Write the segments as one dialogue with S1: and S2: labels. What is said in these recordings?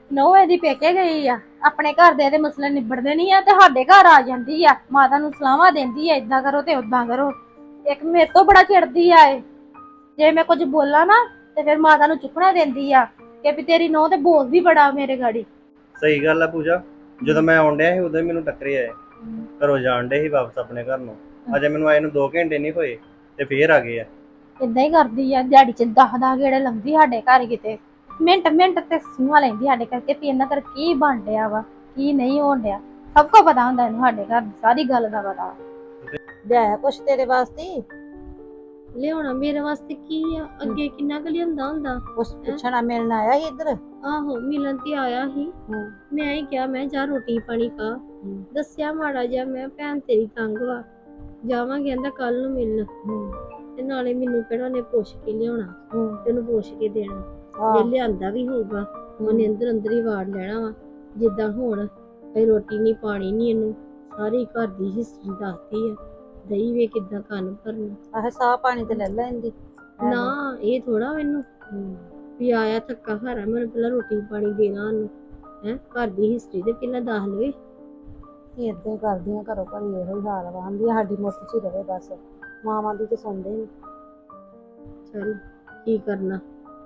S1: ਨੋ ਇਹਦੀ ਪੇਕੇ ਗਈ ਆ ਆਪਣੇ ਘਰ ਦੇ ਇਹਦੇ ਮਸਲੇ ਨਿਬੜਦੇ ਨਹੀਂ ਆ ਤੇ ਸਾਡੇ ਘਰ ਆ ਜਾਂਦੀ ਆ ਮਾਤਾ ਨੂੰ ਸਲਾਹਾਂ ਦਿੰਦੀ ਆ ਇਦਾਂ ਕਰੋ ਤੇ ਉਦਾਂ ਕਰੋ। ਇੱਕ ਮੇਰੇ ਤੋਂ ਬੜਾ ਚਿੜਦੀ ਆ ਇਹ। ਜੇ ਮੈਂ ਕੁਝ ਬੋਲਾਂ ਨਾ ਤੇ ਫਿਰ ਮਾਤਾ ਨੂੰ ਚੁੱਕਣਾ ਦਿੰਦੀ ਆ ਕਿ ਵੀ ਤੇਰੀ ਨੋ ਤੇ ਬੋਲਦੀ ਬੜਾ ਮੇਰੇ ਗਾੜੀ।
S2: ਸਹੀ ਗੱਲ ਆ ਪੂਜਾ। ਜਦੋਂ ਮੈਂ ਆਉਣ ਡਿਆ ਸੀ ਉਦੋਂ ਹੀ ਮੈਨੂੰ ਟੱਕਰੇ ਆਏ। ਘਰੋਂ ਜਾਣ ਡੇ ਸੀ ਵਾਪਸ ਆਪਣੇ ਘਰ ਨੂੰ। ਅਜੇ ਮੈਨੂੰ ਆਏ ਨੂੰ 2 ਘੰਟੇ ਨਹੀਂ ਹੋਏ ਤੇ ਫੇਰ ਆ ਗਏ ਆ।
S1: ਇਦਾਂ ਹੀ ਕਰਦੀ ਆ ਦਿਹਾੜੀ ਚ 10 ਗੇੜੇ ਲਾਉਂਦੀ ਸਾਡੇ ਘਰ ਕਿਤੇ ਮਿੰਟ ਮਿੰਟ ਤੇ ਸੂਹਾਂ ਲੈਂਦੀ ਸਾਡੇ ਕਰਕੇ ਵੀ ਇਹਨਾਂ ਕਰ ਕੀ ਬਣ ਡਿਆ ਵਾ ਕੀ ਨਹੀਂ ਹੋਣ ਡਿਆ। ਸਭ ਕੁਝ ਪਤਾ ਹੁੰਦਾ ਇਹਨੂੰ ਸਾਡੇ ਘਰ ਦੀ ਸਾਰੀ ਗੱਲ ਦਾ ਪਤਾ।
S3: ਲਿਆਇਆ ਕੁਛ ਤੇਰੇ ਵਾਸਤੇ?
S4: ਲਿਆਉਣਾ ਮੇਰੇ ਵਾਸਤੇ ਕੀ ਆ? ਅੱਗੇ ਕਿੰਨਾ ਕੁ ਲਿਆਂਦਾ ਹੁੰਦਾ।
S3: ਕੁਛ ਪੁੱਛਣਾ ਮਿਲਣ ਆਇਆ ਸੀ ਇੱਧਰ?
S4: ਆਹੋ ਮਿਲਣ ਤੇ ਆਇਆ ਸੀ। ਮੈਂ ਹੀ ਕਿਹਾ ਮੈਂ ਜਾ ਰੋਟੀ ਪਾਣੀ ਖਾ। ਦੱਸਿਆ ਮਾੜਾ ਜਿਹਾ ਮੈਂ ਭੈਣ ਤੇਰੀ ਤੰਗ ਵਾ ਜਾਵਾਂਗੇ ਕਹਿੰਦਾ ਕੱਲ ਨੂੰ ਮਿਲਣ। ਤੇ ਨਾਲੇ ਮੈਨੂੰ ਕਿਹੜਾ ਨੇ ਪੁੱਛ ਕੇ ਲਿਆਉਣਾ ਤੈਨੂੰ ਪੁੱਛ ਕੇ ਦੇਣਾ। ਜੇ ਲਿਆਂਦਾ ਵੀ ਹੋਊਗਾ ਉਹਨੇ ਅੰਦਰ ਅੰਦਰ ਹੀ ਵਾੜ ਲੈਣਾ ਵਾ। ਜਿੱਦਾਂ ਹੁਣ ਕੋਈ ਰੋਟੀ ਨਹੀਂ ਪਾਣੀ ਨਹੀਂ ਇਹਨੂੰ ਸਾਰੀ ਘਰ ਦੀ ਹਿਸਟਰੀ ਦੱਸਦੀ ਆ। ਦਹੀਂ ਵੇ ਕਿੱਦਾਂ ਕੰਨ ਭਰਨਾ।
S3: ਆਹ ਸਾਹ ਪਾਣੀ ਤੇ ਲੈ ਲੈਂਦੀ
S4: ਨਾ ਇਹ ਥੋੜਾ ਮੈਨੂੰ ਵੀ ਆਇਆ ਥੱਕਾ ਹਾਰਾ ਮੈਨੂੰ ਪਹਿਲਾਂ ਰੋਟੀ ਪਾਣੀ ਦੇਣਾ ਉਹਨੂੰ ਹੈ। ਘਰ ਦੀ ਹਿਸਟਰੀ ਤੇ ਪਹਿਲਾਂ ਦੱਸ ਲਵੇ।
S3: ਏਦਾਂ ਹੀ ਕਰਦੀਆਂ ਘਰੋਂ ਘਰੀ ਇਹੋ ਹੀ ਹਾਲ ਵਾ। ਆਂਦੀ ਸਾਡੀ ਮੁੱਠ 'ਚ ਹੀ ਰਵੇ ਬਸ। ਮਾਵਾਂ ਦੀ ਤੇ ਸੁਣਦੇ ਨੀ।
S4: ਚਲ ਕੀ ਕਰਨਾ।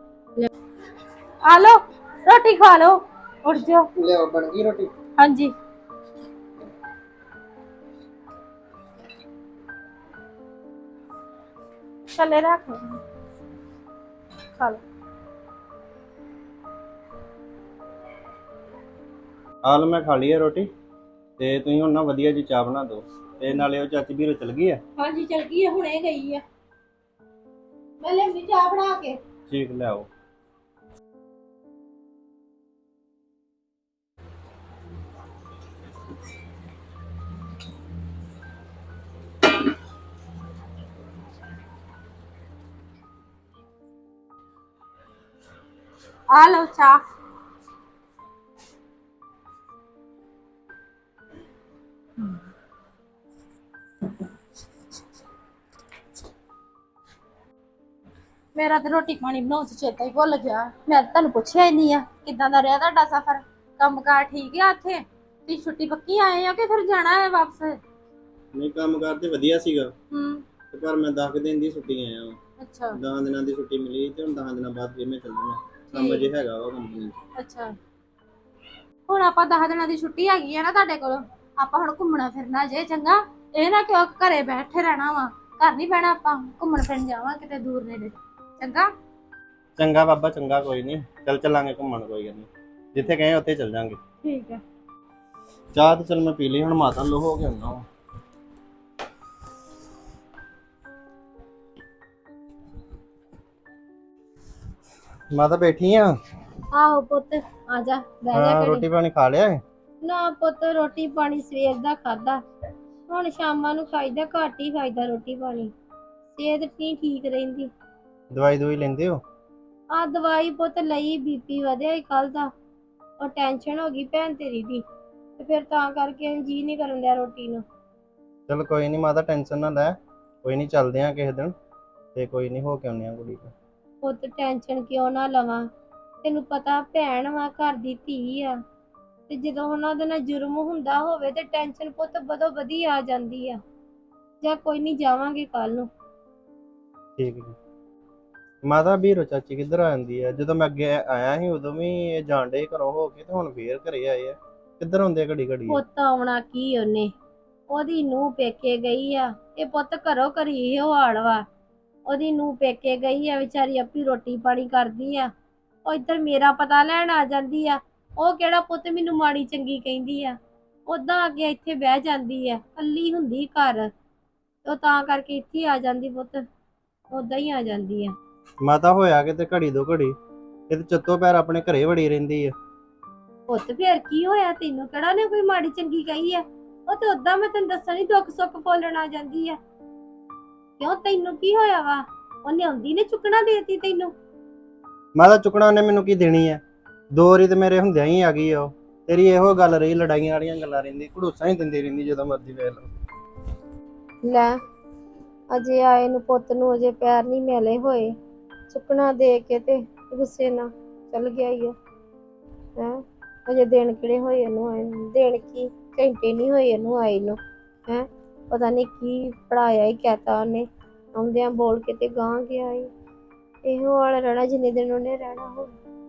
S1: ਆ ਲੋ ਰੋਟੀ ਖਾ ਲੋ ਉੱਠ ਜਾਓ।
S2: ਲਿਆਓ ਬਣ ਗਈ ਰੋਟੀ?
S1: ਹਾਂਜੀ ਚਲੇ ਰੱਖ ਖਾ ਲੋ।
S2: ਹਾਲ ਮੈਂ ਖਾ ਲਈ ਹੈ ਰੋਟੀ ਤੇ ਤੁਸੀਂ ਹੁਣ ਨਾ ਵਧੀਆ ਜੀ ਚਾਹ ਬਣਾ ਦਿਓ। ਤੇ ਨਾਲੇ ਉਹ ਚਾਚੀ ਵੀਰੋ ਚਲ ਗਈ ਆ?
S1: ਹਾਂਜੀ ਚਲ ਗਈ ਆ ਹੁਣੇ ਗਈ ਆ। ਮੈਂ ਲੈਂਦੀ ਚਾਹ ਬਣਾ ਕੇ।
S2: ਠੀਕ ਲਿਆਓ।
S1: ਆ ਲਓ ਚਾਹ। ਮੇਰਾ ਤੇ ਰੋਟੀ ਪਾਣੀ ਬਣਾਉਣ ਚ ਚੇਤਾ ਹੀ ਭੁੱਲ ਗਿਆ। ਮੈਂ ਤਾਂ ਤੁਹਾਨੂੰ ਪੁੱਛਿਆ ਹੀ ਨਹੀਂ ਆ ਕਿੱਦਾਂ ਦਾ ਰਿਹਾ ਤੁਹਾਡਾ ਸਫ਼ਰ। ਕੰਮਕਾਰ ਠੀਕ ਆ ਉੱਥੇ? ਤੁਸੀਂ ਛੁੱਟੀ ਪੱਕੀ ਆਏ ਹੋ ਕਿ ਫਿਰ ਜਾਣਾ ਹੈ ਵਾਪਸ?
S2: ਨਹੀਂ ਕੰਮ ਕਾਰ ਤੇ ਵਧੀਆ ਸੀਗਾ
S1: ਤੇ
S2: ਪਰ ਮੈਂ 10 ਦਿਨ ਦੀ ਛੁੱਟੀ ਆਇਆ ਹਾਂ।
S1: ਅੱਛਾ
S2: 10 ਦਿਨਾਂ ਦੀ ਛੁੱਟੀ ਮਿਲੀ ਤੇ ਹੁਣ 10 ਦਿਨਾਂ ਬਾਅਦ ਫਿਰ ਮੈਂ ਚੱਲੂਗਾ। ਕੰਮ ਅਜੇ ਹੈਗਾ ਵਾ ਕੰਪਨੀ।
S1: ਅੱਛਾ ਹੁਣ ਆਪਾਂ 10 ਦਿਨਾਂ ਦੀ ਛੁੱਟੀ ਹੈਗੀ ਆ ਨਾ ਤੁਹਾਡੇ ਕੋਲ। ਆਪਾਂ ਹੁਣ ਘੁੰਮਣਾ ਫਿਰਨਾ ਜੇ ਚੰਗਾ। ਇਹ ਨਾ ਕਿਉਂ ਘਰੇ ਬੈਠੇ ਰਹਿਣਾ ਵਾ। ਘਰ ਨਹੀਂ ਬਹਿਣਾ ਆਪਾਂ ਘੁੰਮਣ ਫਿਰਨ ਜਾਵਾਂ ਕਿਤੇ ਦੂਰ ਨੇੜੇ ਚੰਗਾ।
S2: ਚੰਗਾ ਬਾਬਾ ਚੰਗਾ ਕੋਈ ਨਹੀਂ ਚੱਲਾਂਗੇ ਘੁੰਮਣ ਕੋਈ ਗੱਲ ਨਹੀਂ। ਜਿੱਥੇ ਗਏ ਉੱਥੇ ਚੱਲ ਜਾਾਂਗੇ।
S1: ਠੀਕ ਹੈ।
S2: ਚਾਹ ਤੇ ਚਲ ਮੈਂ ਪੀ ਲਈ ਹੁਣ ਮਾਤਾ ਲੋ ਹੋ ਕੇ ਆਉਣਾ ਵਾ। ਮਾਤਾ ਬੈਠੀ ਆ?
S4: ਆਹੋ ਪੁੱਤ ਆ ਜਾ ਬਹਿ ਜਾ।
S2: ਰੋਟੀ ਪਾਣੀ ਖਾ ਲਿਆ?
S4: ਨਾ ਪੁੱਤ ਰੋਟੀ ਪਾਣੀ ਸਵੇਰ ਦਾ ਖਾਦਾ ਹੁਣ ਸ਼ਾਮਾਂ ਨੂੰ ਖਾਈਦਾ ਘੱਟ ਹੀ ਖਾਈਦਾ ਰੋਟੀ ਪਾਣੀ। ਸਿਹਤ ਨਹੀਂ ਠੀਕ ਰਹਿੰਦੀ।
S2: ਦਵਾਈ ਦਵਾਈ ਲੈਂਦੇ ਹੋ?
S4: ਆ ਦਵਾਈ ਪੁੱਤ ਲਈ ਬੀਪੀ ਵਧਿਆ ਹੀ ਕੱਲ ਦਾ। ਉਹ ਟੈਨਸ਼ਨ ਹੋ ਗਈ ਭੈਣ ਤੇਰੀ ਦੀ ਤੇ ਫਿਰ ਤਾਂ ਕਰਕੇ ਜੀ ਨਹੀਂ ਕਰਨ ਦਿਆ ਰੋਟੀ ਨੂੰ।
S2: ਚਲ ਕੋਈ ਨਹੀਂ ਮਾਤਾ ਟੈਨਸ਼ਨ ਨਾ ਲੈ। ਕੋਈ ਨਹੀਂ ਚੱਲਦੇ ਆ ਕਿਸੇ ਦਿਨ ਤੇ ਕੋਈ ਨਹੀਂ ਹੋ ਕੇ ਆਉਂਦੇ ਆ ਕੁੜੀ ਕੋਲ।
S4: ਪੁੱਤ ਟੈਨਸ਼ਨ ਕਿਉਂ ਨਾ ਲਵਾਂ। ਤੈਨੂੰ ਪਤਾ ਭੈਣ ਵਾ ਘਰ ਦੀ ਧੀ ਆ ਤੇ ਜਦੋਂ ਉਹਨਾਂ ਦੇ ਨਾਲ ਜੁਰਮ ਹੁੰਦਾ ਹੋਵੇ ਤੇ ਟੈਨਸ਼ਨ ਪੁੱਤ ਬਦੋ ਵਧੀ ਆ ਜਾਂਦੀ ਆ। ਜਾਂ ਕੋਈ ਨਹੀਂ ਜਾਵਾਂਗੇ ਕੱਲ ਨੂੰ।
S2: ਠੀਕ ਹੈ ਮਾਤਾ ਵੀਰੋ ਚਾਚੀ ਕਿੱਧਰ ਆ ਜਾਂਦੀ ਹੈ? ਜਦੋਂ ਮੈਂ ਅੱਗੇ ਆਇਆ ਸੀ ਉਦੋਂ ਵੀ ਇਹ ਜਾਣ ਡੇ ਘਰੋਂ ਹੋ ਕੇ ਤੇ ਹੁਣ ਫੇਰ ਘਰੇ ਆਏ ਆ। ਕਿੱਧਰ ਹੁੰਦੇ ਘੜੀ ਘੜੀ?
S4: ਪੁੱਤ ਆਉਣਾ ਕੀ ਉਹਨੇ ਉਹਦੀ ਨੂੰਹ ਪੇਕੇ ਗਈ ਆ। ਇਹ ਪੁੱਤ ਘਰੋਂ ਘਰੀ ਇਹੋ ਹਾਲ ਵਾ। ਉਹਦੀ ਨੂੰਹ ਪੇਕੇ ਗਈ ਆ ਵਿਚਾਰੀ ਆਪੀ ਰੋਟੀ ਪਾਣੀ ਕਰਦੀ ਆ। ਉਹ ਇੱਧਰ ਮੇਰਾ ਪਤਾ ਲੈਣ ਆ ਜਾਂਦੀ ਆ। ਉਹ ਕਿਹੜਾ ਪੁੱਤ ਮੈਨੂੰ ਮਾੜੀ ਚੰਗੀ ਕਹਿੰਦੀ ਆ। ਉਦਾਂ ਅੱਗੇ ਇੱਥੇ ਬਹਿ ਜਾਂਦੀ ਆ ਕੱਲੀ ਹੁੰਦੀ ਘਰ। ਉਹ ਤਾਂ ਕਰਕੇ ਇੱਥੇ ਆ ਜਾਂਦੀ ਪੁੱਤ ਉਦਾਂ ਹੀ ਆ ਜਾਂਦੀ ਆ।
S2: ਮਾਤਾ ਹੋਇਆ ਕਿਤੇ ਘੜੀ ਦੋ ਘੜੀ ਇਹ ਤੇ ਚੱਤੋ ਪੈਰ ਆਪਣੇ ਘਰੇ ਵੜੀ ਰਹਿੰਦੀ ਆ।
S4: ਪੁੱਤ ਫੇਰ ਕੀ ਹੋਇਆ? ਤੈਨੂੰ ਕਿਹੜਾ ਨੇ ਕੋਈ ਮਾੜੀ ਚੰਗੀ ਕਹੀ ਆ? ਉਹ ਤੇ ਉਦਾਂ ਮੈਂ ਤੈਨੂੰ ਦੱਸਾਂ ਨੀ ਦੁੱਖ ਸੁੱਖ ਫੋਲਣ ਆ ਜਾਂਦੀ ਆ। ਕਿਉਂ ਤੈਨੂੰ ਕੀ ਹੋਇਆ ਵਾ? ਉਹਨੇ ਆਉਂਦੀ ਨੇ ਚੁੱਕਣਾ ਦੇਤੀ ਤੈਨੂੰ?
S2: ਮਾਤਾ ਚੁੱਕਣਾ ਉਹਨੇ ਮੈਨੂੰ ਕੀ ਦੇਣੀ ਆ? 2 ਵਾਰੀ ਤੇ ਮੇਰੇ ਹੁੰਦਿਆਂ ਹੀ ਆ ਗਈ ਆ ਉਹ। ਤੇਰੀ ਇਹੋ ਗੱਲ ਰਹੀ ਲੜਾਈਆਂ ਵਾਲੀਆਂ ਗੱਲਾਂ ਰਹਿੰਦੀ ਘੜੂਸਾਂ ਹੀ ਦਿੰਦੀ ਰਹਿੰਦੀ ਜਦੋਂ ਮਰਜ਼ੀ ਵੇਖ ਲਓ।
S4: ਲੈ ਅਜੇ ਆਏ ਨੂੰ ਪੁੱਤ ਨੂੰ ਅਜੇ ਪੈਰ ਨਹੀਂ ਮਿਲੇ ਹੋਏ ਚੁੱਕਣਾ ਦੇ ਕੇ ਤੇ ਗੁੱਸੇ ਨਾਲ ਚੱਲ ਗਿਆ ਈ। ਹੈ ਅਜੇ ਦਿਨ ਕਿਹੜੇ ਹੋਏ ਇਹਨੂੰ ਆਏ ਨੂੰ, ਦਿਨ ਕੀ ਘੰਟੇ ਨਹੀਂ ਹੋਏ ਇਹਨੂੰ ਆਏ ਨੂੰ। ਹੈ ਪਤਾ ਨਹੀਂ ਕੀ ਪੜਾਇਆ ਹੀ ਕਹਿਤਾ ਉਹਨੇ, ਆਉਂਦਿਆਂ ਬੋਲ ਕੇ ਤੇ ਗਾਂ ਗਿਆ ਈ। ਇਹੋ ਵਾਲਾ ਰਹਿਣਾ ਜਿੰਨੇ ਦਿਨ ਉਹਨੇ ਰਹਿਣਾ ਹੁਣ।